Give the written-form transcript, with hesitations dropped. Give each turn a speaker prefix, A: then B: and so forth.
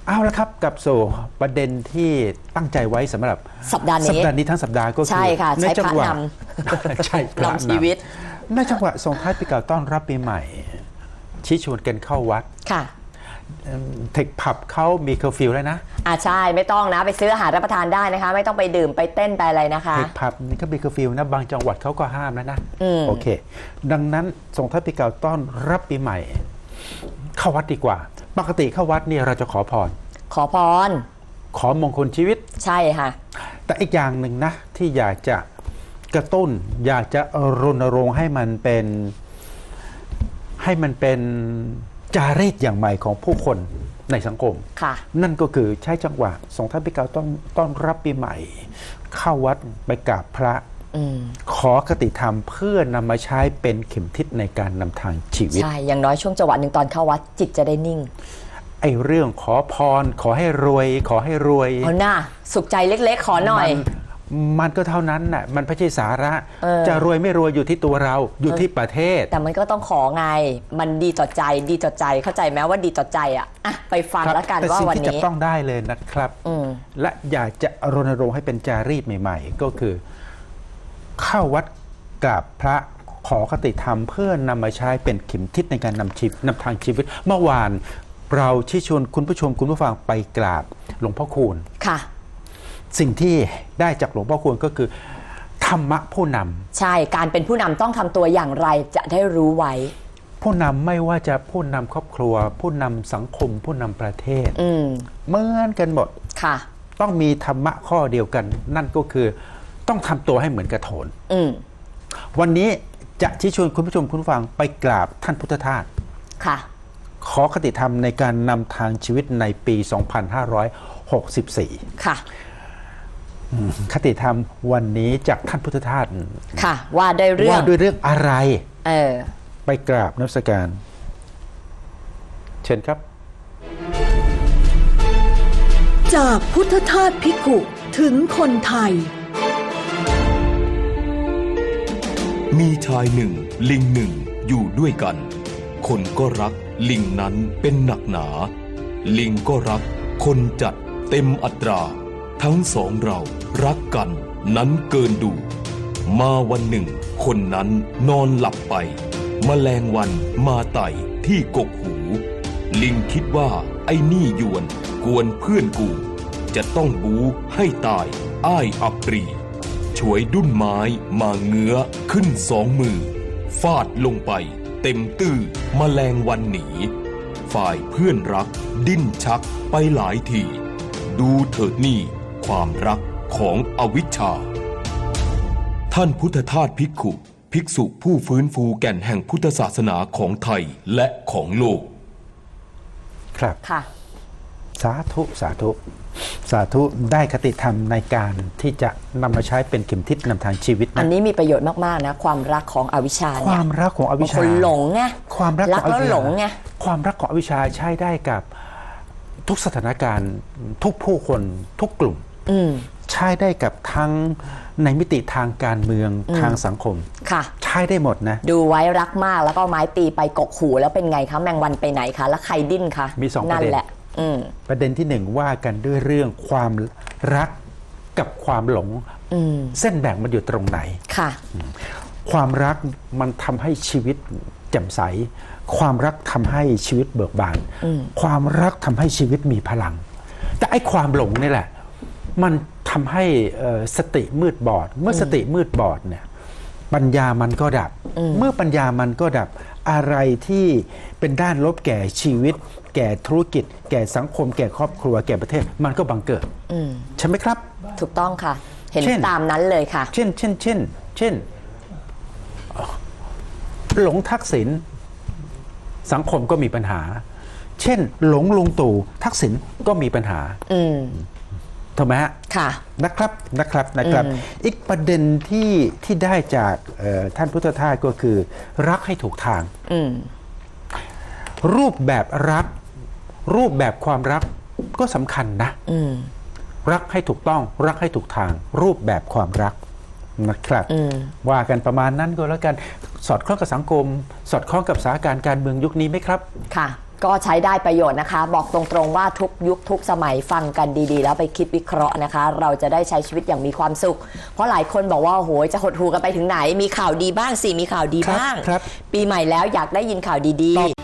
A: เอาละครับกับสู่ประเด็นที่ตั้งใจไว้สำหรับ
B: สัปดาห์นี้
A: ทั้งสัปดาห์ก็คือ
B: ใช่ค่ะใช้พระน
A: ำใช่พระนำ
B: ชีวิต
A: ในจังหวะส่งท้ายปีเก่าต้อนรับปีใหม่ชี้ชวนกันเข้าวัด
B: ค่ะ
A: เทคผับเขามีเคอร์ฟิวแล้วนะ
B: ใช่ไม่ต้องนะไปซื้ออาหารรับประทานได้นะคะไม่ต้องไปดื่มไปเต้นไปอะไรนะคะ
A: เทคผับนี่ก็มีเคอร์ฟิวนะบางจังหวัดเขาก็ห้ามแล้วนะโอเคดังนั้นส่งท้ายปีเก่าต้อนรับปีใหม่เข้าวัดดีกว่าปกติเข้าวัดเนี่ยเราจะขอพรขอมงคลชีวิต
B: ใช่ค่ะ
A: แต่อีกอย่างหนึ่งนะที่อยากจะกระตุ้นอยากจะรณรงค์ให้มันเป็นจารีตอย่างใหม่ของผู้คนในสังคมนั่นก็คือใช้จังหวะส่งท้ายปีเก่าต้อนรับปีใหม่เข้าวัดไปกราบพระขอคติธรรมเพื่อนำมาใช้เป็นเข็มทิศในการนำทางชีวิต
B: ใช่อย่างน้อยช่วงจังหวะหนึ่งตอนเข้าวัดจิตจะได้นิ่ง
A: ไอ้เรื่องขอพรขอให้รวย
B: เอาหน้าสุขใจเล็กๆขอหน่อย
A: มันก็เท่านั้นน่ะมันไม่ใช่สาระจะรวยไม่รวยอยู่ที่ตัวเราอยู่ที่ประเทศ
B: แต่มันก็ต้องขอไงมันดีต่อใจเข้าใจไหมว่าดีต่อใจอ่ะไปฟังแล้วกันว่าวันนี้
A: แต่สิ่งที่จะต้องได้เลยนะครับและอยากจะรณรงค์ให้เป็นจารีตใหม่ๆก็คือเข้าวัดกราบพระขอคติธรรมเพื่อนำมาใช้เป็นเข็มทิศในการนำทางชีวิตเมื่อวานเราชี้ชวนคุณผู้ชมคุณผู้ฟังไปกราบหลวงพ่อคูณ
B: ค่ะ
A: สิ่งที่ได้จากหลวงพ่อคูณก็คือธรรมะผู้น
B: ำใช่การเป็นผู้นำต้องทำตัวอย่างไรจะได้รู้ไว้
A: ผู้นำไม่ว่าจะผู้นำครอบครัวผู้นำสังคมผู้นำประเทศเหมือนกันหมด
B: ค่ะ
A: ต้องมีธรรมะข้อเดียวกันนั่นก็คือต้องทำตัวให้เหมือนกระโถนวันนี้จะชี้ชวนคุณผู้ชมคุณผู้ฟังไปกราบท่านพุทธทาส
B: ค่ะ
A: ขอคติธรรมในการนำทางชีวิตในปี 2564
B: ค่ะ
A: คติธรรมวันนี้จากท่านพุทธทาส
B: ค่ะว่าด้วยเ
A: รื่องอะไรไปกราบนมัสการเชิญครับ
C: จากพุทธทาสภิกขุถึงคนไทย
D: มีชายหนึ่งลิงหนึ่งอยู่ด้วยกันคนก็รักลิงนั้นเป็นหนักหนาลิงก็รักคนจัดเต็มอัตราทั้งสองเรารักกันนั้นเกินดูมาวันหนึ่งคนนั้นนอนหลับไปแมลงวันมาไต่ที่กกหูลิงคิดว่าไอ้นี่ยวนกวนเพื่อนกูจะต้องบูให้ตายอ้ายอับปรีฉวยดุ้นไม้มาเงื้อขึ้นสองมือฟาดลงไปเต็มตื้อแมลงวันหนีฝ่ายเพื่อนรักดิ้นชักไปหลายทีดูเถิดนี่ความรักของอวิชชาท่านพุทธทาสภิกขุภิกษุผู้ฟื้นฟูแก่นแห่งพุทธศาสนาของไทยและของโลก
A: ครับ
B: ค่ะ
A: สาธุสาธุสาธุได้คติธรรมในการที่จะนำมาใช้เป็นเข็มทิศนำทางชีวิต
B: อันนี้มีประโยชน์มากๆนะความรักของอวิชชา
A: ความรักของอวิชชา
B: คนหลงไง
A: ความรักของอวิชชา
B: หลงไง
A: ความรักของอวิชชาใช้ได้กับทุกสถานการณ์ทุกผู้คนทุกกลุ่มใช้ได้กับทั้งในมิติทางการเมืองทางสังคม
B: ค่ะ
A: ใช้ได้หมดนะ
B: ดูไว้รักมากแล้วก็ไม้ตีไปกกหูแล้วเป็นไงคะแมงวันไปไหนคะแล้วใครดิ้นคะ
A: มี2ประเด็นประเด็นที่1ว่ากันด้วยเรื่องความรักกับความหลงเส้นแบ่งมันอยู่ตรงไหน
B: ค่ะ
A: ความรักมันทำให้ชีวิตแจ่มใสความรักทำให้ชีวิตเบิกบานความรักทำให้ชีวิตมีพลังแต่ไอ้ความหลงนี่แหละมันทำให้สติมืดบอดเมื่อสติมืดบอดเนี่ยปัญญามันก็ดับเมื่อปัญญามันก็ดับอะไรที่เป็นด้านลบแก่ชีวิตแก่ธุรกิจแก่สังคมแก่ครอบครัวแก่ประเทศมันก็บังเกิดใช่ไหมครับ
B: ถูกต้องค่ะเห็นตามนั้นเลยค่ะ
A: เช่นหลงทักษิณสังคมก็มีปัญหาเช่นหลงลุงตู่ทักษิณก็มีปัญหาถูกไหมฮะ
B: ค่ะ
A: นะครับอีกประเด็นที่ได้จากท่านพุทธทาสก็คือรักให้ถูกทางรูปแบบรักรูปแบบความรักก็สำคัญนะรักให้ถูกต้องรักให้ถูกทางรูปแบบความรักนะครับว่ากันประมาณนั้นก็แล้วกันสอดคล้องกับสังคมสอดคล้องกับสถานการณ์การเมืองยุคนี้ไหมครับ
B: ค่ะก็ใช้ได้ประโยชน์นะคะ บอกตรงๆว่าทุกยุคทุกสมัยฟังกันดีๆ แล้วไปคิดวิเคราะห์นะคะ เราจะได้ใช้ชีวิตอย่างมีความสุข เพราะหลายคนบอกว่าโอ้โหจะหดหู่กันไปถึงไหนมีข่าวดีบ้างสิมีข่าวดีบ้าง
A: ครับ
B: ปีใหม่แล้วอยากได้ยินข่าวดีๆ